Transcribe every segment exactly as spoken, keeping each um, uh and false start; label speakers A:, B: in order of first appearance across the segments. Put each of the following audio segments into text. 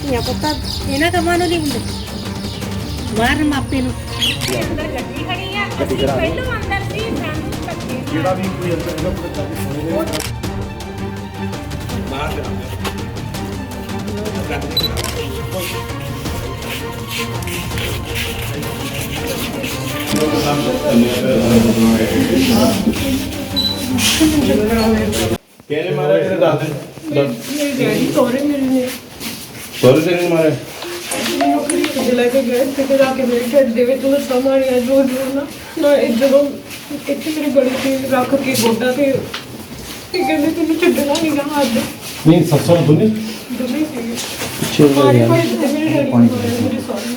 A: ਧੀਆਂ ਪੁੱਤਾਂ ਇਹਨਾਂ ਕੰਮਾਂ ਨੂੰ ਨਹੀਂ ਹੁੰਦੇ ਮਾਰਨ ਮਾਪੇ ਨੂੰ।
B: ਅੰਦਰ ਗੱਡੀ ਖੜੀ ਆ, ਅਸੀਂ ਪਹਿਲੋਂ ਅੰਦਰ ਸੀ, ਸਾਨੂੰ ਧੱਕੇ ਨਾਲ
C: ਜਿਹੜਾ ਵੀ ਕੋਈ ਅੰਦਰ ਇਹਦਾ ਬੱਚਾ ਵੀ ਸੁਣੇ ਬਾਹਰ ਜਾਣਾ ਕਿਹਨੇ ਮਾਰਿਆ ਕਿਹਨੇ ਦੱਸ ਦੇ
A: ਮੇਰੇ ਡੈਡੀ ਕੋਰੇ ਮੇਰੇ ਨੇ
C: ਸੋਰੇ ਤੇਰੇ ਮਾਰਿਆ
A: ਨੌਕਰੀ ਤੇ ਲੈ ਕੇ ਗਏ ਤੇ ਜਾ ਕੇ ਮੇਰੇ ਘਰ ਦੇ ਵਿੱਚ ਉਹ ਸਮਾਰੀਆ ਜੋ ਜੋ ਨਾ ਨਾ ਇਹ ਜਦੋਂ ਇੱਥੇ ਮੇਰੇ ਗਲੀ ਤੇ ਰੱਖ ਕੇ ਗੋਡਾ ਤੇ ਤੇ ਕਹਿੰਦੇ ਤੈਨੂੰ ਛੱਡਣਾ ਨਹੀਂ ਗਾ ਅੱਜ
C: ਨਹੀਂ ਸੱਸੋਂ ਦੁਨੀ
A: ਦੋਵੇਂ ਸੀਗੇ ਮਾਰੇ ਭਾਈ ਤੇ ਮੇਰੇ ਡੈਡੀ ਨੂੰ ਮਾਰਿਆ ਮੇਰੇ ਸਾਹਮਣੇ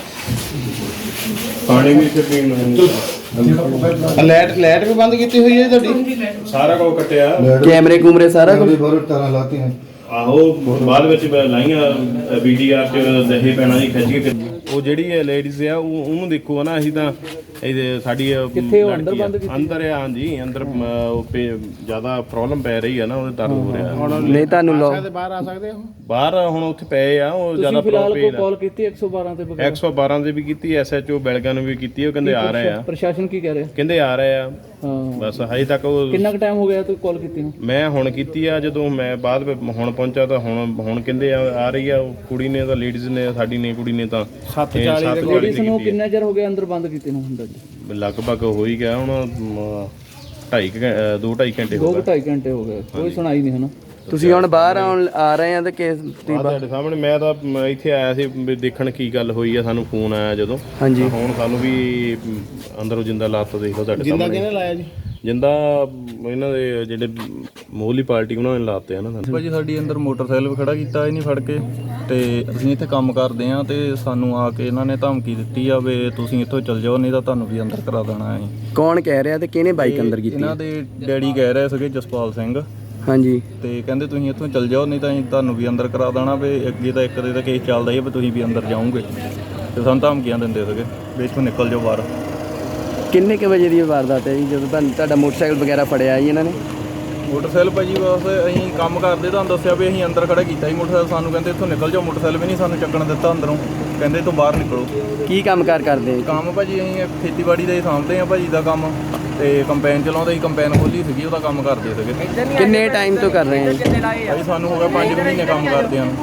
C: ਪਾਣੀ ਵੀ ਇੱਥੇ ਪੀਣ ਨੂੰ
D: ਲਾਈਟ ਲਾਈਟ ਵੀ ਬੰਦ ਕੀਤੀ ਹੋਈ ਹੈ ਤੁਹਾਡੀ
C: ਸਾਰਾ ਕੁਝ ਕੱਟਿਆ
D: ਕੈਮਰੇ ਕੂਮਰੇ ਸਾਰਾ ਕੁਝ
E: ਬਹੁਤ ਤਾਰਾਂ ਲਾਤੀ हैं
C: ਆਹੋ ਬਾਅਦ ਵਿੱਚ ਲਾਈਆਂ ਵੀਡੀਆਰ ਚ ਦਹੇ ਪੈਣਾ ਜੀ ਖਿੱਚ ਕੇ ਉਹ ਜਿਹੜੀ ਲੇਡੀਜ਼ ਆ ਉਹ ਉਹਨੂੰ ਦੇਖੋ ਨਾ ਅਸੀਂ ਤਾਂ ਇਹਦੇ ਸਾਡੀ ਅੰਦਰ ਬੰਦ ਕੀਤੀ ਅੰਦਰ ਆ ਹਾਂਜੀ ਅੰਦਰ ਉਹ ਜ਼ਿਆਦਾ ਪ੍ਰੋਬਲਮ ਪੈ ਰਹੀ ਆ ਨਾ ਉਹਦੇ ਦਰਦ ਹੋ ਰਿਹਾ
D: ਨਹੀਂ ਤੁਹਾਨੂੰ ਲੋਕ
E: बाहर आ सकते हो
C: ਬਾਹਰ ਹੁਣ ਉੱਥੇ ਪਏ ਆ ਉਹ ਜ਼ਿਆਦਾ ਪ੍ਰੋਬਲਮ
D: ਕਾਲ ਕੀਤੀ ਇੱਕ ਸੌ ਬਾਰਾਂ ਤੇ
C: ਇੱਕ ਸੌ ਬਾਰਾਂ ਦੇ ਵੀ ਕੀਤੀ ਐਸਐਚਓ ਬੈਲਗਾਂ ਨੂੰ ਵੀ ਕੀਤੀ ਉਹ ਕਹਿੰਦੇ ਆ ਰਹੇ ਆ
D: ਪ੍ਰਸ਼ਾਸਨ ਕੀ ਕਹਿ ਰਿਹਾ
C: ਕਹਿੰਦੇ ਆ ਰਹੇ ਆ
D: ਹਾਂ
C: ਬਸ ਹਜੇ ਤੱਕ ਉਹ
D: ਕਿੰਨਾ ਕੁ ਟਾਈਮ ਹੋ ਗਿਆ ਤੂੰ ਕਾਲ ਕੀਤੀ ਨੂੰ
C: ਮੈਂ ਹੁਣ ਕੀਤੀ ਆ ਜਦੋਂ ਮੈਂ ਬਾਅਦ ਵਿੱਚ ਹੁਣ ਪਹੁੰਚਾ ਤਾਂ ਹੁਣ ਹੁਣ ਕਹਿੰਦੇ ਆ ਆ ਰਹੀ ਆ ਉਹ ਕੁੜੀ ਨੇ ਤਾਂ ਲੇਡੀਜ਼ ਨੇ ਸਾਡੀ ਨੇ ਕੁੜੀ ਨੇ ਤਾਂ
E: ਸੱਤ ਚਾਲੀ ਦੇ
D: ਲੇਡੀਜ਼ ਨੂੰ ਕਿੰਨਾ ਚਿਰ ਹੋ ਗਿਆ ਅੰਦਰ ਬੰਦ ਕੀਤੇ ਨੂੰ ਹੁੰਦਾ ਜੀ
C: ਲਗਭਗ ਹੋ ਹੀ ਗਿਆ ਹੁਣ ਢਾਈ ਦੋ ਢਾਈ ਘੰਟੇ ਹੋ
D: ਦੋ
C: ਗਏ
D: ਢਾਈ ਘੰਟੇ ਹੋ ਗਏ ਕੋਈ ਸੁਣਾਈ ਨਹੀਂ ਹਨਾ ਤੁਸੀਂ ਹੁਣ ਬਾਹਰ ਆਉਣ ਆ ਰਹੇ ਆ ਤੇ ਕੇਸ
C: ਤੁਹਾਡੇ ਸਾਹਮਣੇ ਮੈਂ ਤਾਂ ਮ- ਇੱਥੇ ਆਇਆ ਸੀ ਵੀ ਦੇਖਣ ਕੀ ਗੱਲ ਹੋਈ ਆ ਸਾਨੂੰ ਫੋਨ ਆਇਆ ਜਦੋਂ
D: ਹਾਂਜੀ
C: ਹੁਣ ਸਾਨੂੰ ਵੀ ਮ, ਅੰਦਰੋਂ ਜਿੰਦਾ ਲਾਤ ਦੇਖ ਲਓ ਤੁਹਾਡੇ
E: जिंदा
C: ਸਾਹਮਣੇ
E: किहने लाया जी
C: ਜਿੰਦਾ ਇਹਨਾਂ ਦੇ ਜਿਹੜੇ ਮੋਹਲੀ ਪਾਰਟੀ ਉਹਨਾਂ ਨੇ ਲਾਤੇ ਆ ਨਾ ਸਾਨੂੰ
F: ਭਾਜੀ ਸਾਡੀ ਅੰਦਰ ਮੋਟਰਸਾਈਕਲ ਖੜਾ ਕੀਤਾ ਇਹ ਨਹੀਂ ਫੜ ਕੇ ਤੇ ਅਸੀਂ ਇੱਥੇ ਕੰਮ ਕਰਦੇ ਆ ਤੇ ਸਾਨੂੰ ਆ ਕੇ ਇਹਨਾਂ ਨੇ ਧਮਕੀ ਦਿੱਤੀ ਆ ਵੀ ਤੁਸੀਂ ਇੱਥੋਂ ਚੱਲ ਜਾਓ ਨਹੀਂ ਤਾਂ ਤੁਹਾਨੂੰ ਵੀ ਅੰਦਰ ਕਰਾ ਦੇਣਾ ਹੈ।
D: ਕੌਣ ਕਹਿ ਰਿਹਾ ਤੇ ਕਿਹਨੇ ਬਾਈਕ ਅੰਦਰ ਕੀਤੀ
F: ਇਹਨਾਂ ਦੇ ਡੈਡੀ ਕਹਿ ਰਹੇ ਸੀਗੇ ਜਸਪਾਲ ਸਿੰਘ
D: ਹਾਂਜੀ
F: ਤੇ ਕਹਿੰਦੇ ਤੁਸੀਂ ਇੱਥੋਂ ਚੱਲ ਜਾਓ ਨਹੀਂ ਤਾਂ ਅਸੀਂ ਤੁਹਾਨੂੰ ਵੀ ਅੰਦਰ ਕਰਾ ਦੇਣਾ ਵੀ ਅੱਗੇ ਤਾਂ ਇੱਕ ਦੇ ਤਾਂ ਕੇਸ ਚੱਲਦਾ ਹੀ ਆ ਵੀ ਤੁਸੀਂ ਵੀ ਅੰਦਰ ਜਾਓਗੇ ਤੇ ਸਾਨੂੰ ਧਮਕੀਆਂ ਦਿੰਦੇ ਸੀਗੇ ਵੀ ਇੱਥੋਂ ਨਿਕਲ ਜਾਓ ਬਾਹਰ।
D: ਕਿੰਨੇ ਕੁ ਵਜੇ ਦੀ ਵਾਰਦਾਤ ਹੈ ਜੀ ਜਦੋਂ ਤੁਹਾਨੂੰ ਤੁਹਾਡਾ ਮੋਟਰਸਾਈਕਲ ਵਗੈਰਾ ਫੜਿਆ ਜੀ ਇਹਨਾਂ ਨੇ
F: ਮੋਟਰਸਾਈਕਲ ਭਾਜੀ ਬਸ ਅਸੀਂ ਕੰਮ ਕਰਦੇ ਤੁਹਾਨੂੰ ਦੱਸਿਆ ਵੀ ਅਸੀਂ ਅੰਦਰ ਖੜਾ ਕੀਤਾ ਸੀ ਮੋਟਰਸਾਈਕਲ ਸਾਨੂੰ ਕਹਿੰਦੇ ਇੱਥੋਂ ਨਿਕਲ ਜਾਓ ਮੋਟਰਸਾਈਕਲ ਵੀ ਨਹੀਂ ਸਾਨੂੰ ਚੱਕਣ ਦਿੱਤਾ ਅੰਦਰੋਂ ਕਹਿੰਦੇ ਤੋਂ ਬਾਹਰ ਨਿਕਲੋ।
D: ਕੀ ਕੰਮ ਕਾਰ ਕਰਦੇ
F: ਕੰਮ ਭਾਜੀ ਅਸੀਂ ਖੇਤੀਬਾੜੀ ਦਾ ਹੀ ਸਾਂਭਦੇ ਆ ਭਾਜੀ ਦਾ ਕੰਮ ਤੇ ਕੰਪੈਨ ਚਲਾਉਂਦੇ ਸੀ ਕੰਪੈਨ ਖੋਲੀ ਸੀਗੀ ਉਹਦਾ ਕੰਮ ਕਰਦੇ ਸੀਗੇ।
D: ਕਿੰਨੇ ਟਾਈਮ ਤੋਂ ਕਰ ਰਹੇ ਆ
F: ਭਾਜੀ ਸਾਨੂੰ ਹੋ ਗਿਆ ਪੰਜ ਮਹੀਨੇ ਕੰਮ ਕਰਦੇ ਆ।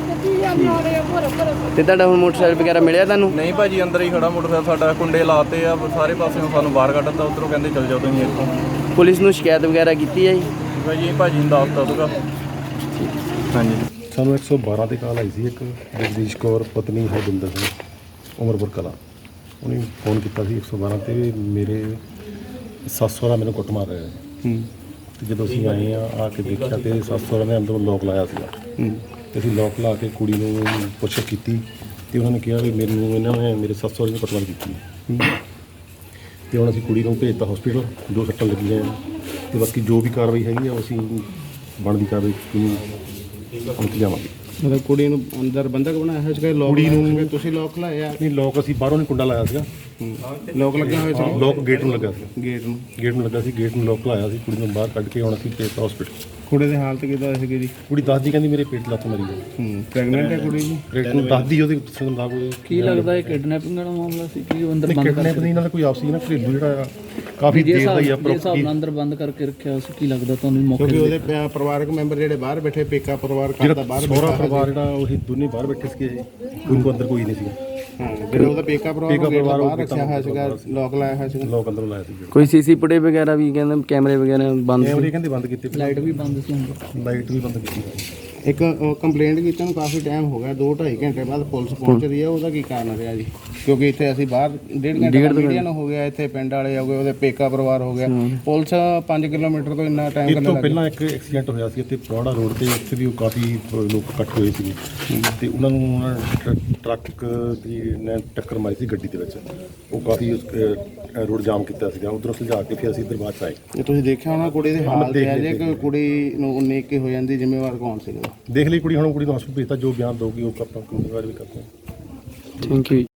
D: ਤੇ ਤੁਹਾਡਾ ਹੁਣ ਮੋਟਰਸਾਈਕਲ ਵਗੈਰਾ ਮਿਲਿਆ ਤੁਹਾਨੂੰ
F: ਨਹੀਂ ਭਾਜੀ ਅੰਦਰ ਹੀ ਖੜਾ ਮੋਟਰਸਾਈਕਲ ਸਾਡਾ ਕੁੰਡੇ ਲਾਤੇ ਆ ਸਾਰੇ ਪਾਸਿਓਂ ਸਾਨੂੰ ਬਾਹਰ ਕੱਢਤਾ ਉੱਧਰੋਂ ਕਹਿੰਦੇ ਚੱਲ ਜਾਓ ਤੁਸੀਂ ਇੱਥੋਂ।
D: ਪੁਲਿਸ ਨੂੰ ਸ਼ਿਕਾਇਤ ਵਗੈਰਾ ਕੀਤੀ ਹੈ ਜੀ
F: ਭਾਜੀ ਇਹ ਭਾਜੀ ਨੂੰ ਦੱਸਤਾ ਸੀਗਾ ਹਾਂਜੀ।
G: ਸਾਨੂੰ ਇੱਕ ਸੌ ਬਾਰਾਂ ਤੇ ਕਾਲ ਆਈ ਸੀ ਇੱਕ ਜਗਦੀਸ਼ ਕੌਰ ਪਤਨੀ ਹਰਜਿੰਦਰ ਸਿੰਘ ਉਮਰਪੁਰ ਕਲਾਂ ਉਹਨੇ ਫੋਨ ਕੀਤਾ ਸੀ ਇੱਕ ਸੌ ਬਾਰਾਂ ਤੇ ਮੇਰੇ ਸੱਸ ਸਹੁਰਾ ਮੈਨੂੰ ਕੁੱਟ ਮਾਰ ਰਿਹਾ ਹੈ ਤੇ ਜਦੋਂ ਅਸੀਂ ਆਏ ਆ ਆ ਕੇ ਦੇਖਿਆ ਤੇ ਸੱਸ ਸਹੁਰਾ ਨੇ ਅੰਦਰੋਂ ਲੋਕ ਲਾਇਆ ਸੀਗਾ ਤੇ ਅਸੀਂ ਲੋਕ ਲਾ ਕੇ ਕੁੜੀ ਨੂੰ ਪੁੱਛ ਕੀਤੀ ਤੇ ਉਹਨਾਂ ਨੇ ਕਿਹਾ ਵੀ ਮੈਨੂੰ ਇਹਨਾਂ ਨੇ ਮੇਰੇ ਸੱਸ ਸਹੁਰੇ ਨੇ ਕੁੱਟਮਾਰ ਕੀਤੀ ਤੇ ਹੁਣ ਅਸੀਂ ਕੁੜੀ ਨੂੰ ਭੇਜਤਾ ਹਸਪੀਟਲ ਦੋ ਸੱਟਾਂ ਲੱਗੀਆਂ ਤੇ ਬਾਕੀ ਜੋ ਵੀ ਕਾਰਵਾਈ ਹੈਗੀ ਆ ਉਹ ਅਸੀਂ ਬਣਦੀ ਕਾਰਵਾਈ ਅੰਤ ਜਾਵਾਂਗੇ।
E: मतलब कुड़ी ਨੂੰ ਅੰਦਰ ਬੰਦਕ ਬਣਾਇਆ ਹੈ ਜਿਹੜਾ ਲੋਕ
G: ਕੁੜੀ ਨੂੰ
E: ਤੁਸੀਂ ਲੋਕ ਲਾਇਆ
G: ਨਹੀਂ ਲੋਕ ਅਸੀਂ ਬਾਹਰੋਂ ਨਹੀਂ ਕੁੰਡਾ ਲਾਇਆ ਸੀਗਾ
E: ਲੋਕ ਲੱਗੇ ਹੋਏ ਸੀ
G: ਲੋਕ ਗੇਟ ਨੂੰ ਲੱਗਾ ਸੀ
E: ਗੇਟ ਨੂੰ
G: ਗੇਟ ਨੂੰ ਲੱਗਾ ਸੀ ਗੇਟ ਨੂੰ ਲੋਕ ਲਾਇਆ ਸੀ ਕੁੜੀ ਨੂੰ ਬਾਹਰ ਕੱਢ ਕੇ ਹੁਣ ਅਸੀਂ ਭੇਜਤਾ ਹਸਪੀਟਲ।
E: ਕੁੜੀ ਦੀ ਹਾਲਤ ਕਿਦਾਂ ਸੀਗੀ ਜੀ?
G: ਕੁੜੀ ਦੱਸਦੀ ਕਹਿੰਦੀ ਮੇਰੇ ਪੇਟ ਲੱਤ ਮਰੀ ਹੈ
E: ਹੂੰ ਪ੍ਰੈਗਨੈਂਟ ਹੈ ਕੁੜੀ ਜੀ?
G: ਪੇਟ ਨੂੰ ਦੱਸਦੀ ਉਹਦੇ ਦੱਸਣ ਦਾ ਕੋਈ
D: ਕੀ ਲੱਗਦਾ ਇਹ ਕਿਡਨੈਪਿੰਗ ਵਾਲਾ ਮਾਮਲਾ ਸੀ ਕਿ ਅੰਦਰ ਬੰਦ
G: ਕਿਡਨੈਪ ਨਹੀਂ ਇਹਨਾਂ ਦਾ ਕੋਈ ਆਪਸੀ ਨਾ ਘਰੇਲੂ ਜਿਹੜਾ ਆ ਕਾਫੀ ਦੇਰ ਦਾ ਹੀ ਆ
D: ਹਿਸਾਬ ਨਾਲ ਅੰਦਰ ਬੰਦ ਕਰਕੇ ਰੱਖਿਆ ਸੀ ਕੀ ਲੱਗਦਾ ਤੁਹਾਨੂੰ ਮੌਕੇ
E: ਕਿਉਂਕਿ ਉਹਦੇ ਪਿਆ- ਪਰਿਵਾਰਕ ਮੈਂਬਰ ਜਿਹੜੇ ਬਾਹਰ ਬੈਠੇ ਪੇਕਾ ਪਰਿਵਾਰ ਘਰ ਦਾ ਬਾਹਰ
G: ਸਹੁਰਾ ਪਰਿਵਾਰ ਜਿਹੜਾ ਉਹੀ ਦੋਨੇ ਬਾਹਰ ਬੈਠੇ ਸੀਗੇ ਕੋਈ ਕੋ ਅੰਦਰ ਕੋਈ ਨਹੀਂ ਸੀਗਾ
E: ਹਾਂ ਜਿਹੜਾ ਉਹਦਾ ਪੇਕਾ ਪਰਿਵਾਰ
G: ਪੇਕਾ ਪਰਿਵਾਰ
E: ਬਾਹਰ ਰੱਖਿਆ ਹੋਇਆ ਸੀਗਾ ਲੋਕ ਲਾਇਆ ਹੋਇਆ ਸੀਗਾ।
G: ਲੋਕ ਅੰਦਰੋਂ ਲਾਇਆ ਸੀ
D: ਕੋਈ ਸੀਸੀ ਫੁਟੇਜ ਵਗੈਰਾ ਵੀ ਕਹਿੰਦੇ ਕੈਮਰੇ ਵਗੈਰਾ ਬੰਦ
G: ਕੈਮਰੇ ਕਹਿੰਦੇ ਬੰਦ ਕੀਤੇ
D: ਲਾਈਟ ਵੀ ਬੰਦ ਸੀ ਅੰਦਰ
G: ਲਾਈਟ ਵੀ ਬੰਦ ਕੀਤੀ
E: ਇੱਕ ਕੰਪਲੇਂਟ ਕੀਤੀ ਨੂੰ ਕਾਫੀ ਟਾਈਮ ਹੋ ਗਿਆ ਦੋ ਢਾਈ ਘੰਟੇ ਬਾਅਦ ਪੁਲਿਸ ਪਹੁੰਚ ਰਹੀ ਹੈ ਉਹਦਾ ਕੀ ਕਾਰਨ ਰਿਹਾ ਜੀ? ਕਿਉਂਕਿ ਇੱਥੇ ਅਸੀਂ ਬਾਹਰ ਡੇਢ ਘੰਟੇ ਦਾ ਮੀਡੀਆ ਨੂੰ ਹੋ ਗਿਆ ਇੱਥੇ ਪਿੰਡ ਵਾਲੇ ਹੋ ਗਏ ਉਹਦੇ ਪੇਕਾ ਪਰਿਵਾਰ ਹੋ ਗਿਆ ਪੁਲਿਸ ਪੰਜ ਕਿਲੋਮੀਟਰ ਤੋਂ ਇੰਨਾ ਟਾਈਮ
G: ਇਸ ਤੋਂ ਪਹਿਲਾਂ ਇੱਕ ਐਕਸੀਡੈਂਟ ਹੋਇਆ ਸੀ ਇੱਥੇ ਪਰੌੜਾ ਰੋਡ ਤੇ ਉੱਥੇ ਵੀ ਉਹ ਕਾਫੀ ਲੋਕ ਇਕੱਠ ਹੋਏ ਸੀ ਤੇ ਉਹਨਾਂ ਨੂੰ ਉਹਨਾਂ ਨੇ ਟਰੱਕ- ਟਰੱਕ ਦੀ ਨੇ ਟੱਕਰ ਮਾਰੀ ਸੀ ਗੱਡੀ ਦੇ ਵਿੱਚ ਉਹ ਕਾਫੀ ਰੋਡ ਜਾਮ ਕੀਤਾ ਸੀਗਾ ਉਧਰੋਂ ਸੁਲਝਾ ਕੇ ਫਿਰ ਅਸੀਂ ਇੱਧਰ ਬਾਅਦ 'ਚ ਆਏ।
E: ਜੇ ਤੁਸੀਂ ਦੇਖਿਆ ਹੋਣਾ ਕੁੜੀ ਦੇ ਹਾਲ ਤੇ
G: ਦੇਖ
E: ਹੈ ਜੇ
G: ਲਿਆ,
E: ਕੋਈ ਕੁੜੀ ਨੂੰ ਉਨੀ ਇੱਕੀ ਹੋ ਜਾਂਦੀ ਜ਼ਿੰਮੇਵਾਰ ਕੌਣ ਸੀਗਾ?
G: ਦੇਖ ਲਈ ਕੁੜੀ ਹੁਣ ਕੁੜੀ ਨੂੰ ਹਸਪਤਾਲ ਭੇਜਤਾ ਜੋ ਬਿਆਨ ਦਊਗੀ ਉਹ ਆਪਾਂ ਜ਼ਿੰਮੇਵਾਰ ਵੀ ਕਰਦੇ ਹਾਂ।
D: Thank you.